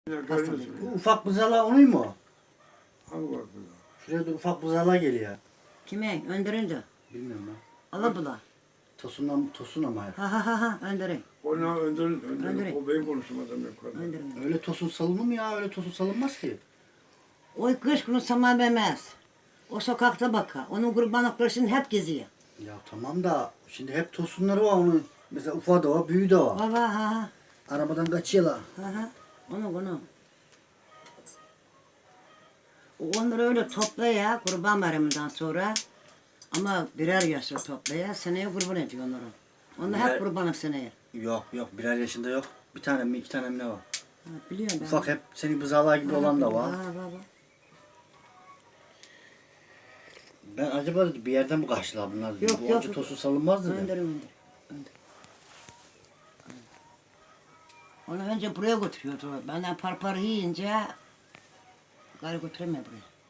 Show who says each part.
Speaker 1: Hastalık.
Speaker 2: Bu ufak buzala onun mu?
Speaker 1: Hangi var burada?
Speaker 2: Şuraya da ufak buzala geliyor.
Speaker 3: Kime? Öndüründü.
Speaker 2: Bilmiyorum ben.
Speaker 3: Alabula.
Speaker 2: Tosun ama ya.
Speaker 3: Ha öndürün.
Speaker 1: Ona öndürün.
Speaker 3: Öndürün.
Speaker 1: O benim konuşmadan yukarıda.
Speaker 3: Öndürün.
Speaker 2: Öyle tosun salınır mı ya? Öyle tosun salınmaz ki.
Speaker 3: O kış günü saman vermez. O sokakta bakar. Onun kurbanlıkları şimdi hep geziyor.
Speaker 2: Ya tamam da şimdi hep tosunları var onun. Mesela ufağı da var, büyüğü de var.
Speaker 3: Baba ha.
Speaker 2: Arabadan kaçıyorlar.
Speaker 3: Ha. Onu. Onları öyle toplaya kurban bayramından sonra. Ama birer yaşlı toplaya seneye kurban ediyor onları. Onlar
Speaker 2: Birer-
Speaker 3: hep kurbanlık seneye.
Speaker 2: Yok birer yaşında yok. Bir tane mi iki tane mi ne var?
Speaker 3: Ha, biliyorum ben.
Speaker 2: Ufak hep senin bızalar gibi olan da var.
Speaker 3: Ha baba.
Speaker 2: Ben acaba dedim, bir yerden mi kaçtılar bunlar dedim.
Speaker 3: Yok,
Speaker 2: Bu
Speaker 3: yok.
Speaker 2: onca tosun salınmaz dedim.
Speaker 3: Öndür. Onu önce buraya götürüyordu. Benden parpar yiyince gari götüremiyor buraya.